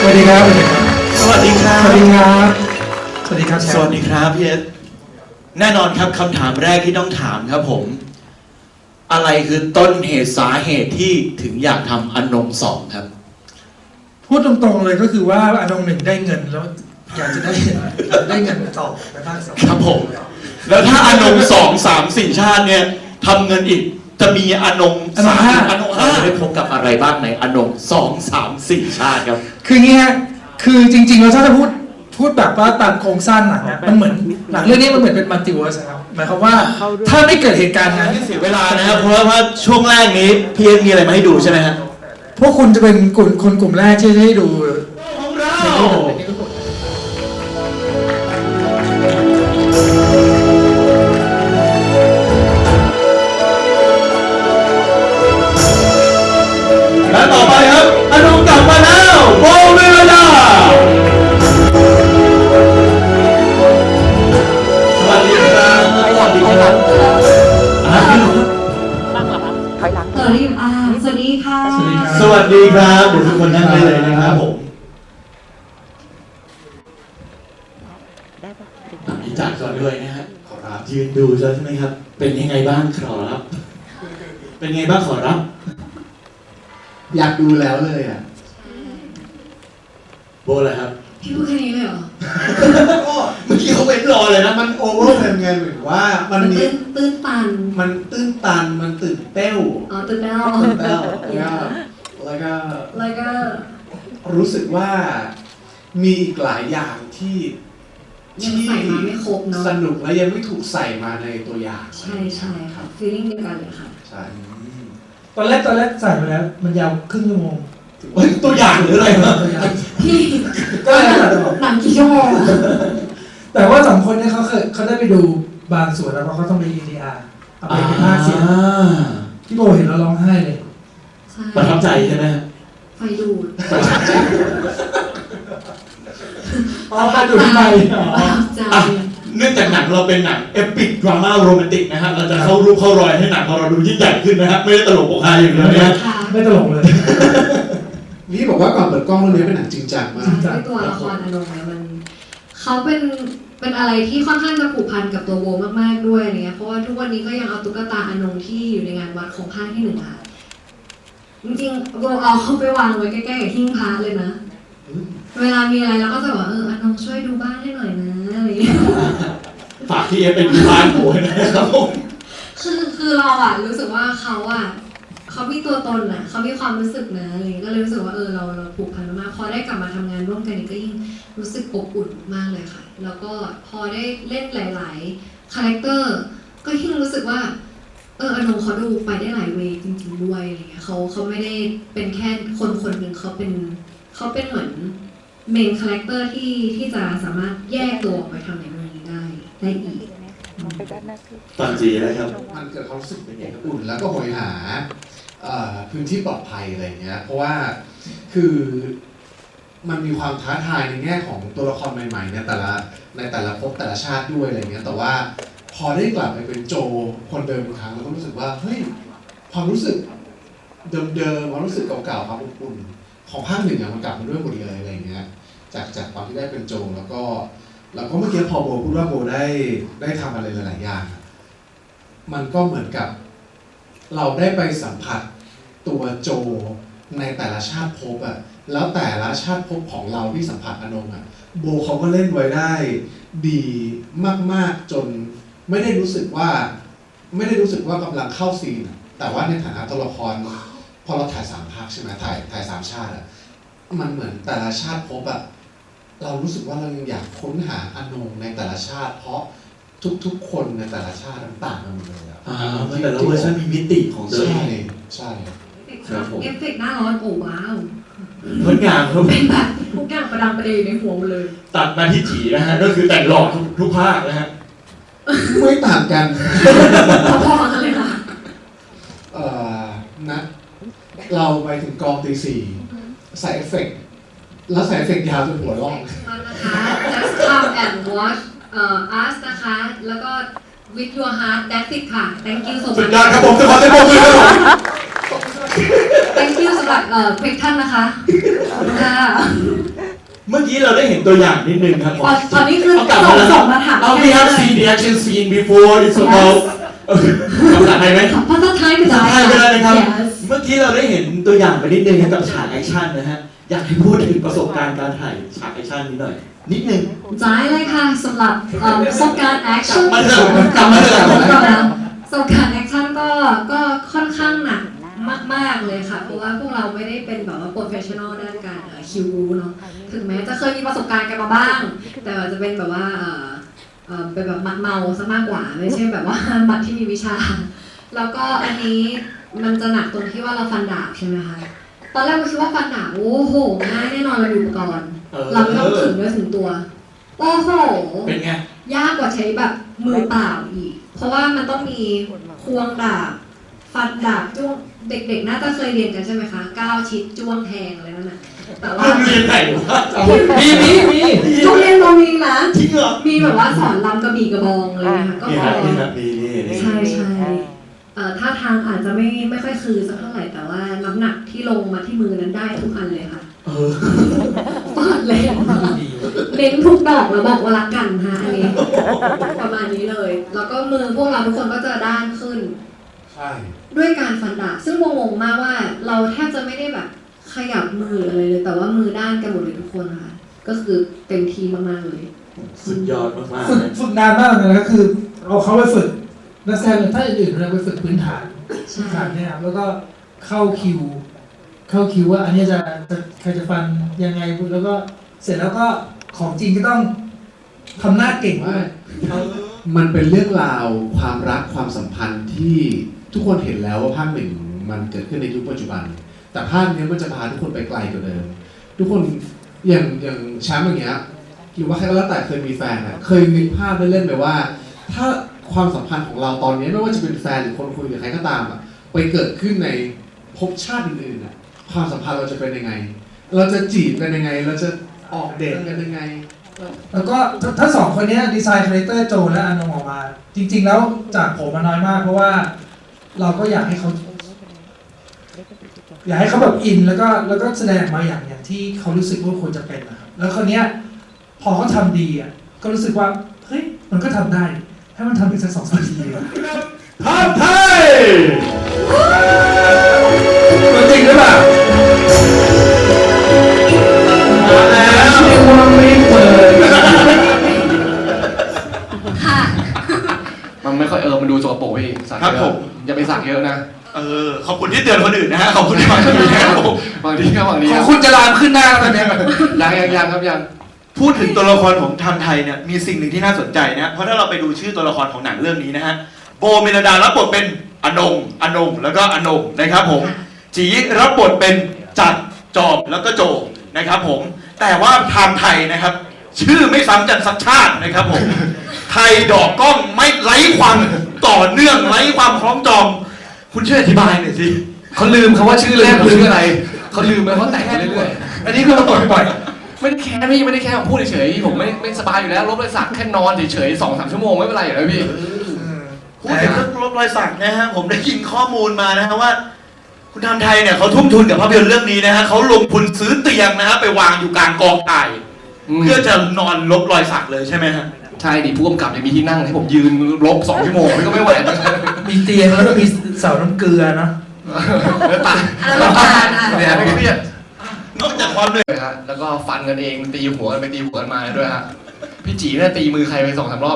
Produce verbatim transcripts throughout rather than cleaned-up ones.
วัสดีครับสวัสดีครับสวัสดีครับ สวัสดีครับสวัสดีครับพี่เอสแน่นอนครับคำถามแรกที่ต้องถามครับผม อะไรคือต้นเหตุสาเหตุที่ถึงอยากทำอนงสองครับพูดตรงๆเลยก็คือว่าอนงหนึ่งได้เงินแล้วอยากจะได้ได้เงินต่อไปภาคสองครับผม แล้วถ้าอนงสองสามสี่ชาติเนี่ยทำเงินอีกจะมีอนงสามอนงห้าจะได้พบกับอะไรบ้างในอนงสองสามสี่ชาติครับคืออย่างงี้ฮะคือจริงๆแล้วถ้าจะพูดพูดแบบว่าตามโครงสร้างหนังเนี่ยมันเหมือนหนังเรื่องนี้มันเหมือนเป็นมัลติเวิร์สครับหมายความว่าถ้าไม่เกิดเหตุการณ์นั้นเสียเวลานะครับเพราะว่าช่วงแรกนี้พี่เอสมีอะไรมาให้ดูใช่ไหมฮะพวกคุณจะเป็นกลุ่มคนกลุ่มแรกที่จะได้ดูของเราและต่อไปครับอนงกลับมาแล้วโบเวลาสวัสดีครับสวัสดีครับอ่าถอยหลังสวัสดีอ่าสวัสดีค่ะสวัสดีครับสวัสดีครับเดี๋ยวทุกคนนั่งได้เลยนะครับผมได้ปะพี่จัดก่อนด้วยนะฮะขอรับยืนดูใช่ไหมครับ เป็นยังไงบ้างขอรับ เป็นไงบ้างขอรับอยากดูแล้วเลยอ่ะโบเลยครับพี่พูดแค่นี้เลยเหรอก็เมื่อกี้เขาเว้นรอเลยนะมันโอเวอร์เพลไงเหมือนว่ามันมีตื้นตื้นตันมันตื้นตันมันตื่นเต้วอ๋อตื่นเต้นตื่นเต้วแล้วก็แล้วก็แล้วก็รู้สึกว่ามีอีกหลายอย่างที่ยังใส่มาไม่ครบเนาะสนุกและยังไม่ถูกใส่มาในตัวอย่างใช่ใช่ค่ะฟีลลิ่งเดียวกันเลยค่ะใช่ตอนแรกตอนแรกใส่ไปแล้ว มันยาวครึ่งชั่วโมงเฮ้ยตัวอย่างหรืออะไรครับพี่ก็เลยตัดออกหนังกี่ชั่วโมงอะแต่ว่าสองคนเนี่ยเขาเคยเขาได้ไปดูบางส่วนแล้วเพราะเขาต้องไป อี ดี อาร์ เอาไปเป็นภาคเสียงพี่โบเห็นแล้วร้องไห้เลยใช่ประทับใจใช่ไหมฮะไฟดูดประทับใจอ๋อมาดูที่ไปประทับใจอ่ะเนื่องจากหนังเราเป็นหนังเอปิกดราม่าโรแมนติกนะฮะเราจะเข้ารูปเข้ารอยให้หนังของเราดูยิ่งใหญ่ขึ้นนะฮะไม่ได้ตลกโปกฮาอย่างเดียวนะฮะค่ะไม่ตลกเลยนี่บอกว่าก่อนเปิดกล้องเรื่องนี้เป็นหนังจริงจังมากจริงจังด้วยตัวละครอนงเนี่ยมันเขาเป็นเป็นอะไรที่ค่อนข้างจะผูกพันกับตัวโบมากๆด้วยอะไรเงี้ยเพราะว่าทุกวันนี้ก็ยังเอาตุ๊กตาอนงที่อยู่ในงานวัดของภาคที่หนึ่งค่ะจริงๆโบเอาเขาไปวางไว้ใกล้ๆกับหิ้งพระเลยนะ เวลามีอะไรเราก็จะบอกว่าเอออนงช่วยดูบ้านให้หน่อยนะอะไรเงี้ยฝากพี่เอฟเป็นดูบ้านโบนะครับผมคือคือเราอะรู้สึกว่าเขาอะเขามีตัวตนอะเขามีความรู้สึกนะอะไรเงี้ยก็เลยรู้สึกว่าเออเราเราผูกพันมากพอได้กลับมาทำงานร่วมกันอีกก็ยิ่งรู้สึกอบอุ่นมากเลยค่ะ แล้วก็พอได้เล่นหลายๆคาแรคเตอร์ก็ยิ่งรู้สึกว่าเอออนงเขาดูไปได้หลายเวย์จริงๆด้วยอะไรเงี้ยเขาเขาไม่ได้เป็นแค่คนคนหนึ่งเขาเป็นเขาเป็นเหมือนเมนคาแรคเตอร์ที่ที่จะสามารถแยกตัวออกไปทำในเรื่องนี้ได้ได้อีกไปด้านหน้าคือตอนจีนะครับมันเกิดความรู้สึกเป็นอย่างอุ่นแล้วก็โหยหาเอ่อพื้นที่ปลอดภัยอะไรเงี้ย เพราะว่าคือมันมีความท้าทายในแง่ของตัวละครใหม่ๆในแต่ละในแต่ละภพแต่ละชาติด้วยอะไรเงี้ย แต่ว่าพอได้กลับไปเป็นโจคนเดิมอีกครั้งเราก็รู้สึกว่าเฮ้ยความรู้สึกเดิมๆความรู้สึกเก่าๆความอบอุ่นของภาคหนึ่งอะมันกลับมาด้วยหมดเลยอะไรเงี้ย จากจากตอนที่ได้เป็นโจแล้วก็แล้วก็เมื่อกี้พอโบพูดว่าโบได้ได้ทำอะไรหลายๆอย่างอะมันก็เหมือนกับ เราได้ไปสัมผัสตัวโจในแต่ละชาติภพอะแล้วแต่ละชาติภพของเราที่สัมผัสอนงอะโบเขาก็เล่นไว้ได้ดีมากๆจนไม่ได้รู้สึกว่า ไม่ได้รู้สึกว่ากำลังเข้าซีนอะแต่ว่าในฐานะตัวละครพอเราถ่ายสามภาคใช่ไหมถ่ายถ่ายสามชาติอะมันเหมือนแต่ละชาติภพอะเรารู้สึกว่าเรายังอยากค้นหาอนงในแต่ละชาติ เพราะทุกๆคนในแต่ละชาติมันต่างกันหมดเลยอะอ่าแต่ละเวอร์ชันมีมิติของตัวเอใช่งใช่ครับผมเอฟเฟกต์หน้าร้อนโอ้ว้าวงดงามครับเป็นแบบทุกอย่างประดังประเดในหัวหมดเลยตัดมาที่จีนะฮะ ก็คือแต่งหล่อทุกทุกภาคนะฮะไม่ต่างกันพอๆกันเลยค่ะเอ่อนะเราไปถึงกองตีสี่ใส่เอฟเฟกต์แล้วใส่เอฟเฟกต์ยาวจนหัวร่องมันนะคะ just come and watch เอ่อ us นะคะ แล้วก็ with your heart that's it ค่ะ thank you so สุด much ยอดครับผมขอเสียงปรบมือครับผม thank you สำหรับเอ่อ question นะคะขอบคุณค่ะเมื่อกี้เราได้เห็นตัวอย่างนิดนึงครับผมตอนตอนนี้คือเากลับส่งแล้วส่งมาถามเอา we have seen the action scene before it's about เออภาษาไทยไหมภาษาไทยก็ภาได้ษาไทยไปเลยนะครับ Yes เมื่อกี้เราได้เห็นตัวอย่างไปนิดนึงครับกับฉากแอคชั่นนะฮะ อยากให้พูดถึงประสบการณ์การถ่ายฉากแอคชั่นนี้หน่อย นิดนึงได้เลยค่ะสำหรับเอ่อประสบการณ์แอคชั่นกลับมาเถอะกลับมาเถอะประสบการณ์แอคชั่นก็ก็ค่อนข้างหนักมากๆเลยค่ะ เพราะว่าพวกเราไม่ได้เป็นแบบว่าโปรเฟชชั่นอลด้านการเอ่อคิวเนาะถึงแม้จะเคยมีประสบการณ์กันมาบ้าง แต่ว่าจะเป็นแบบว่าเอ่อเอ่อเป็นแบบมัดเมาซะมากกว่าไม่ใช่แบบว่า มัดที่มีวิชา แล้วก็อันนี้มันจะหนักตรงที่ว่าเราฟันดาบใช่ไหมคะตอนแรกเราคิดว่าฟันดาบโอ้โหง่ายแน่นอนเรามีอุปกรณ์เออเราไม่ต้องถึงเนื้อถึงตัว โอ้โหเป็นไงยากกว่าใช้แบบมือเปล่าอีก เพราะว่ามันต้องมีควงดาบ ฟันดาบจ้วง เด็กๆ น่าจะเคยเรียนกันใช่ไหมคะก้าวชิดจ้วงแทงอะไรนั่นน่ะ แต่ว่าโรงเรียนไหนวะมีมีมีโรงเรียนเรามีนะจริงเหรอมีแบบว่าสอนลำกระบี่กระบองเลยนะคะก็นี่พคอรับนี่ครับนี่นี่นี่ใช่ใช่เอ่อท่าทางอาจจะไม่ไม่ค่อยคือสักเท่าไหร่ แต่ว่าน้ำหนักที่ลงมาที่มือนั้นได้ทุกอันเลยค่ะเออเปิดเลยเน้นทุกดอกแล้วบอกว่ารักกันฮะอันนี้ ประมาณนี้เลย แล้วก็มือพวกเราทุกคนก็จะด้านขึ้นใช่ด้วยการฟันดาบซึ่งงงๆมากว่าเราแทบจะไม่ได้แบบขยับมืออะไรเลย แต่ว่ามือด้านกันหมดเลยทุกคนค่ะ ก็คือเต็มที่มากๆเลยสุดยอดมากฝึๆกนะฝึกนานมากเลยนะคือเอาเขาไปฝึกนักแสดงถ้าอื่นๆเราไปฝึกพื้นฐานใช่พื้นฐานเนี่ยครับแล้วก็เข้าคิว เข้าคิวว่าอันนี้จะจะใครจะฟันยังไงแล้วก็เสร็จแล้วก็ของจริงก็ต้องทำหน้าเก่งด้วยมันเป็นเรื่องราวความรักความสัมพันธ์ที่ทุกคนเห็นแล้วว่าภาคหนึ่งมันเกิดขึ้นในยุคปัจจุบัน แต่ภาคนี้มันจะพาทุกคนไปไกลกว่าเดิม ทุกคนอย่างอย่างแชมป์อย่างเงี้ยหรือว่าใครก็แล้วแต่เคยมีแฟนอะเคยนึกภาพเล่นๆไปว่า ถ้าความสัมพันธ์ของเราตอนนี้ไม่ว่าจะเป็นแฟนหรือคนคุยกับใครก็ตามอะไปเกิดขึ้นในภพชาติอื่นๆอะความสัมพันธ์เราจะเป็นยังไง เราจะจีบกันยังไง เราจะออกเดทกันยังไงแล้วก็ถ้าถ้าสองคนเนี้ยดีไซน์คาแรคเตอร์โจและอานงออกมา จริง ๆ แล้วจากผมมาน้อยมาก เพราะว่าเราก็อยากให้เขา อยากให้เขาแบบอินแล้วก็แล้วก็แสดงมาอย่างอย่างที่เขารู้สึกว่าควรจะเป็นนะครับแล้วคนเนี้ยพอเขาทำดีอ่ะก็รู้สึกว่าเฮ้ยมันก็ทำได้ให้มันทำอีกสักสองสามทีดีกว่าภาพไทยตัวจริงหรือเปล่ามาแล้วเรียกว่าไม่เปิดค่ะมันไม่ค่อยเออ มันดูสกปรกพี่สักครับเยผอะมอย่าไปสักเยอะนะเออ ขอบคุณที่เตือนคนอื่นนะฮะ ขอบคุณที่มาที่นี่นะครับผมบางทีก็บางทีขคอรังบคุณจะลามขึ้นหน้าแล้วตอนเนี้ยยังยังยังครับยังพูดถึงตัวละครของไทม์ไทยเนี่ย มีสิ่งหนึ่งที่น่าสนใจนะ เพราะถ้าเราไปดูชื่อตัวละครของหนังเรื่องนี้นะฮะ โบเมลดารับบทเป็นอนงอนงแล้วก็อนงนะครับผม จีรับบทเป็นจัดจอบแล้วก็โจนะครับผม แต่ว่าไทม์ไทยนะครับ ชื่อไม่ซ้ำกันสักชาตินะครับผม ไทยดอกกล้องไม่ไร้ความต่อเนื่องไร้ความคล้องจอง คุณช่วยอธิบายหน่อยสิเขาลืมเขาว่าชื่อแรกคือชื่ออะไร เขาลืมไปเขาแต่งไปเรื่อยอันนี้คือมาตรวจบ่อยๆ ไม่ได้แค่พี่ไม่ได้แค่ผมพูดเฉยๆผมไม่ไม่สบายอยู่แล้วลบเลยสักแค่นอนเฉยๆสองสามชั่วโมงไม่เป็นไรอยู่แล้วพี่พูดถึงเรื่องลบรอยสักนะฮะผมได้ยินข้อมูลมานะฮะว่า คุณทำไทยเนี่ยเขาทุ่มทุนกับภาพยนตร์เรื่องนี้นะฮะเขาลงทุนซื้อเตียงนะฮะไปวางอยู่กลางกองถ่ายอืมเพื่อจะนอนลบรอยสักเลยใช่ไหมฮะใช่ดิผู้กำกับยังมีที่นั่งให้ผมยืนลบสองชั่วโมงนี่ก็ไม่ไหวเหมือนกันๆมีเตียงแล้วก็มีเสาน้ำเกลือเนาะแล้วตายอันนั้นตายอ่ะเนี่ยไม่เครียดนอกจากความเหนื่อยเลยฮะแล้วก็ฟันกันเองตีหัวกันไปตีหัวกันมาด้วยฮะพี่จีเนี่ยตีมือใครไปสองสามรอบ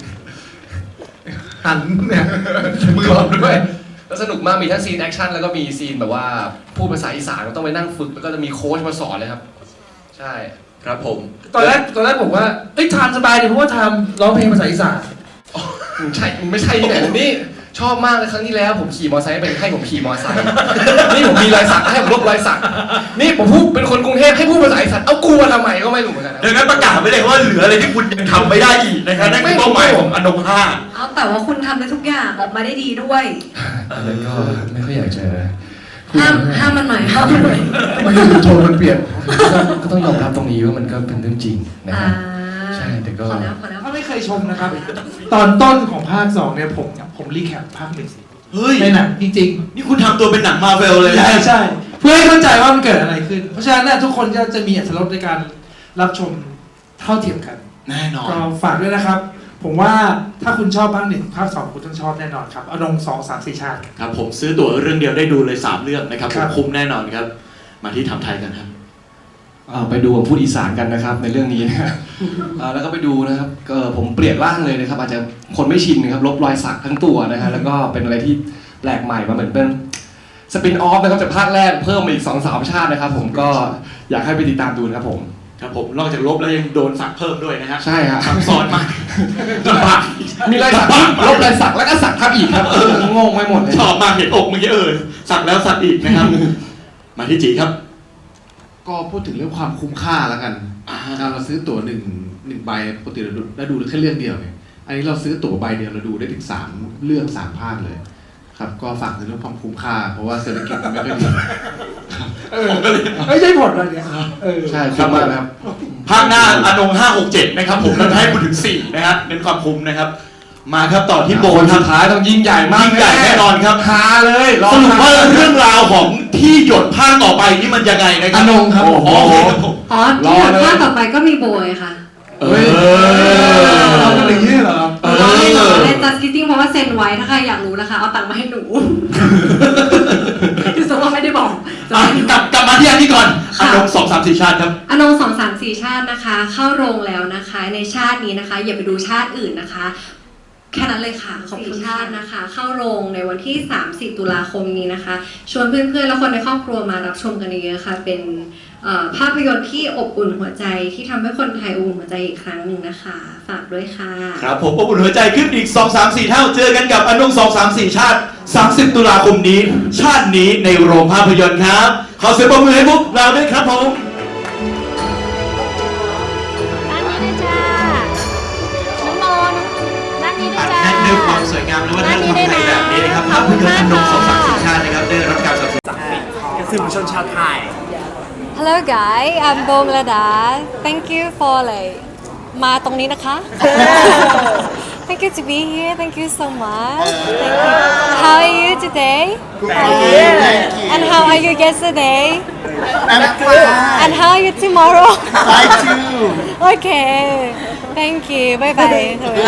หันเนี่ยมือรอบด้วยแล้วสนุกมากมีทั้งซีนแอคชั่นแล้วก็มีซีนแบบว่าพูดภาษาอีสานก็ต้องไปนั่งฝึกแล้วก็จะมีโค้ชมาสอนเลยครับ ใช่ครับผมตอนแรกตอนแรกผมว่าเอ้ยทานสบายดีเพราะว่าทำร้องเพลงภาษาอีสานอืมใช่ไม่ใช่ที่ไหนเลยนี่ชอบมากเลยครั้งที่แล้วผมขี่มอเตอร์ไซค์เป็นให้ผมขี่มอเตอร์ไซค์นี่ผมมีรอยสักให้ผมลบรอยสักนี่ผมพูดเป็นคนกรุงเทพให้พูดภาษาอีสานเอากูมาทำไมก็ไม่รู้เหมือนกันนะดังนั้นประกาศไว้เลยว่าเหลืออะไรที่คุณยังทำไม่ได้อีกนะครับนั่นคือเป้าหมายของอนงห้าเอาแต่ว่าคุณทำได้ทุกอย่างออกมาได้ดีด้วยอันนั้นก็ไม่ค่อยอยากจะห้ามห้ามมันหน่อยห้ามมันหน่อยมันคือโทนมันเปลี่ยนก็ต้องยอมรับตรงนี้ว่ามันก็เป็นเรื่องจริงนะอ่าฮะ ใช่แต่ก็พอแล้วพอแล้วถ้าไม่เคยชมนะครับ ตอนต้นของภาคสองเนี่ยผมผมรีแคปภาคหนึ่งเฮ้ยในหนังจริงนี่คุณทำตัวเป็นหนังมาเวลเลยๆนะใช่ใช่เพื่อให้เข้าใจว่ามันเกิดอะไรขึ้น เพราะฉะนั้นเนี่ยทุกคนก็จะมีอรรถรสในการรับชมเท่าเทียมกันแน่นอนก็ฝากด้วยนะครับ ผมว่าถ้าคุณชอบภาคหนึ่งภาคสองคุณต้องชอบแน่นอนครับอนงสองสามสี่ชาติครับผมซื้อตั๋วเรื่องเดียวได้ดูเลยสามเรื่องนะครับผครัมบคุ้มแน่นอนครับ มาที่ทำไทยกันครับอ่าไปดูผมพูดอีสานกันนะครับในเรื่องนี้นะอ่าแล้วก็ไปดูนะครับก็ผมเปลี่ยนร่างเลยนะครับ อาจจะคนไม่ชินนะครับลบรอยสักทั้งตัวนะฮะแล้วก็เป็นอะไรที่แปลกใหม่มาเหมือนเป็นสปินออฟนะครับจากภาคแรกเพิ่มมาอีกสองสามชาตินะครับ ผมก็อยากให้ไปติดตามดูนะครับผมครับผมนอกจากลบแล้วยังโดนสักเพิ่มด้วยนะฮะใช่ครับซับซ้อนมากลำบากมีรอยสักลบรอยสักแล้วก็สักทับอีกครับเอองงไปหมดเลยชอบมากเห็นอกเมื่อกี้เออสักแล้วสักอีกนะครับ มาที่จีครับก็พูดถึงเรื่องความคุ้มค่าแล้วกันอ่าอ่าเราซื้อตั๋วหนึ่งหนึ่งใบปกติเราดูเราดูแค่เรื่องเดียวไงอันนี้เราซื้อตั๋วใบเดียวเราดูได้ถึงสามเรื่องสามภาคเลย ครับก็ฝากในเรื่องความคุ้มค่า เพราะว่าเศรษฐกิจมันไม่ค่อยดีเออไม่ใช่ผลอะไรเนี่ยเออใช่ครับมากนะครับภาคหน้าอนงห้าหกเจ็ดนะครับผมเราจะให้คุณถึงสี่นะฮะเน้นความคุ้มนะครับ มาครับต่อที่โบคนครัสุบดท้ายต้องยิ่งใหญ่มากยิ่งใหญ่แน่นอนครับฮาเลยรอสรุปว่าเรื่องราวของที่หยดภาคต่อไปนี่มันยังไงนะครัอนงครับโอ้โหอ๋อที่หลังภาคต่อไปก็มีโบยค่ะเอเฮ้ยอเราก็เลยยื่นเหรอเออเราให้หนูเล่นจัสกิตติ้งเพราะว่าเซ็นไว้ถ้าใครอยากรู้นะคะ เอาตังค์มาให้หนูคือสมมติว่าไม่ได้บอกจะอ่ะให้หนูกลับกลับมาที่อันนี้ก่อนอค่ะนงสองสามสี่ชาติครับอนงสองสามสี่ชาตินะคะ เข้าโรงแล้วนะคะ ในชาตินี้นะคะ อย่าไปดูชาติอื่นนะคะ แค่นั้นเลยค่ะขอบคุณชาตินะคะ เข้าโรงในวันที่สามสิบตุลาคมนี้นะคะ ชวนเพื่อนๆและคนในครอบครัวมารับชมกันเยอะๆค่ะ เป็นเอ่อภาพยนตร์ที่อบอุ่นหัวใจที่ทำให้คนไทยอบอุ่นหัวใจอีกครั้งหนึ่งนะคะ ฝากด้วยค่ะครับผมอบอุ่นหัวใจขึ้นอีกสอง สาม สี่เท่าเจอกันกับอนงสอง สาม สี่ชาติสามสิบตุลาคมนี้ ชาตินี้ในโรงภาพยนตร์ครับ ขอเสียงปรบมือให้พวกเราด้วยครับผมด้านนี้ด้วยจ้า น้องโมนด้านนี้ด้วยอัดจ้าแน่นด้วยความสวยงามและวัฒนธรรมไทยแบบนี้นะครับภาพยนตร์อนงสอง สาม สี่ชาตินะครับได้รับการสนับสนุนสื่อมวลชนชาวไทย Hello guys I'm Bo Melada Thank you for like มาตรงนี้นะคะ Thank you to be here Thank you so much Thank you How are you today Thank you Thank you And how are you yesterday I'm fine And how are you tomorrow I too Okay Thank you Bye bye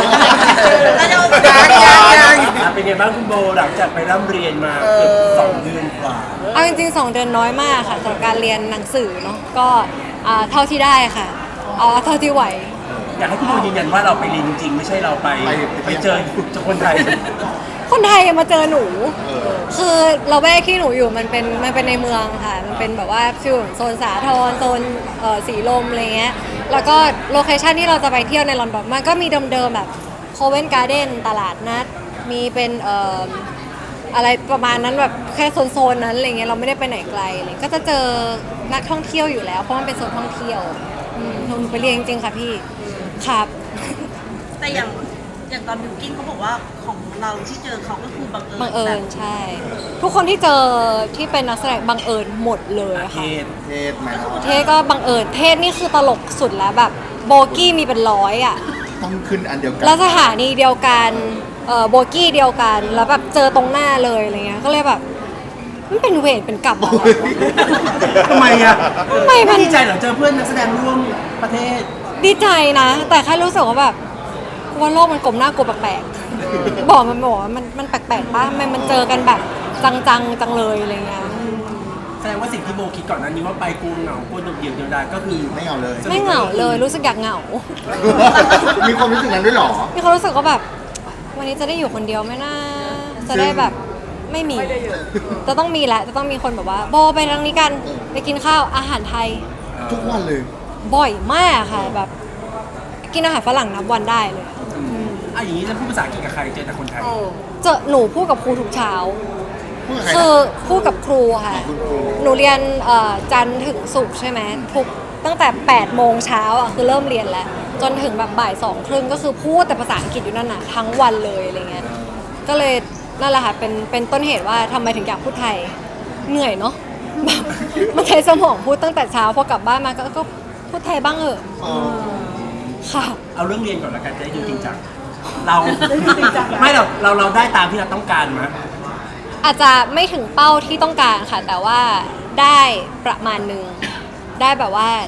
เป็นไงบ้างคุณโบหลังจากไปร่ำเรียนมาเกือบสองเดือนกว่าเอาจริงๆสองเดือนน้อยมากค่ะสำหรับการเรียนหนังสือเนาะก็อ่าเท่าที่ได้ค่ะเอาเท่าที่ไหวอยากให้คุณโบยืนยันว่าเราไปเรียนจริงๆไม่ใช่เราไปไปเจอเจอคนไทยคนไทยมาเจอหนู คือเราแวกที่หนูอยู่มันเป็นมันเป็นในเมืองค่ะ มันเป็นแบบว่าฟิลโซนสาทรโซนเอ่อสีลมอะไรเงี้ย แล้วก็โลเคชันที่เราจะไปเที่ยวในลอนดอนมันก็มีเดิมๆแบบโคเวนการ์เด้นตลาดนัด มีเป็นเอ่ออะไรประมาณนั้นแบบแค่โซนๆนั้นอะไรเงี้ยเราไม่ได้ไปไหนไกลเลยก็จะเจอนักท่องเที่ยวอยู่แล้วเพราะมันเป็นโซนท่องเที่ยวอืมหนูไปเรียนจริงๆค่ะพี่ครับแต่อย่างอย่างตอนบิวกิ้นเขาบอกว่าของเราที่เจอเขาก็คือบังเอิญบังเอิญแบบใช่ ทุกคนที่เจอที่เป็นนักแสดงบังเอิญหมดเลยเทค่ะศเทศไหมเทศก็บังเอิญเทศนี่คือตลกสุดแล้วแบบโบกี้มีเป็นร้อยอ่ะต้องขึ้นอันเดียวกันแล้วสถานีเดียวกันเอ่อโบกี้เดียวกันแล้วแบบเจอตรงหน้าเลยอะไรเงี้ยก็เลยแบบมันเป็นเวรเป็นกรรมอะไรวะทำไมอ่ะทำไมมันดีใจเหรอเจอเพื่อนนักแสดงร่วมประเทศดีใจนะ แต่แค่รู้สึกว่าแบบกูว่าโลกมันกลมหน้ากลัวแปลกๆบอกมันบอกว่ามันมันแปลกๆป่ะมันมันเจอกันแบบจังๆจังเลยอะไรเงี้ยแสดงว่าสิ่งที่โบคิดก่อนหนั้นนี้ว่าไปกูเหงากูโดดเดี่ยวเดียวดายก็คือไม่เหงาเลยไม่เหงาเลยรู้สึกอยากเหงามีความรู้สึกนั้นด้วยหรอมีความรู้สึกว่าแบบ วันนี้จะได้อยู่คนเดียวไหมนะจะได้แบบไม่มี จะต้องมีแหละจะต้องมีคนแบบว่าโบไปทางนี้กันไปกินข้าวอาหารไทยทุกวันเลยบ่อยมากค่ะแบบ กินอาหารฝรั่งนับวันได้เลยอ่ะอย่างนี้จะพูดภาษาอังกฤษกับใครเจอแต่คนไทยเจอหนูพูดกับครูทุกเช้า คือพูดกับครูค่ะ หนูเรียนเอ่อจันทร์ถึงศุกร์ใช่ไหมทุกตั้งแต่แปดโมงเช้าอ่ะคือเริ่มเรียนแล้ว จนถึงแบบบ่ายสองครึ่งก็คือพูดแต่ภาษาอังกฤษอยู่นั่นน่ะทั้งวันเลยอะไรเงี้ย ก็เลยนั่นแหละค่ะเป็นเป็นต้นเหตุว่าทำไมถึงอยากพูดไทยเหนื่อยเนาะ แบบมันใช้สมองพูดตั้งแต่เช้าพอกลับบ้านมาก็ก็พูดไทยบ้างเหอะค่ะเอาเรื่องเรียนก่อนละกันจะได้ดูจริงจังเราไม่หรอกเราเราได้ตามที่เราต้องการมั้ยอาจจะไม่ถึงเป้าที่ต้องการค่ะ แต่ว่าได้ประมาณหนึ่งได้แบบว่า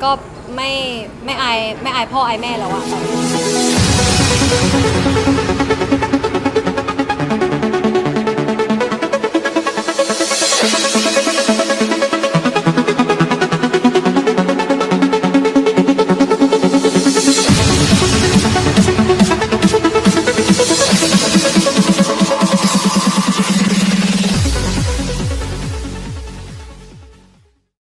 ก็ไม่ไม่อายไม่อายพ่ออายแม่แล้วอะตอนนี้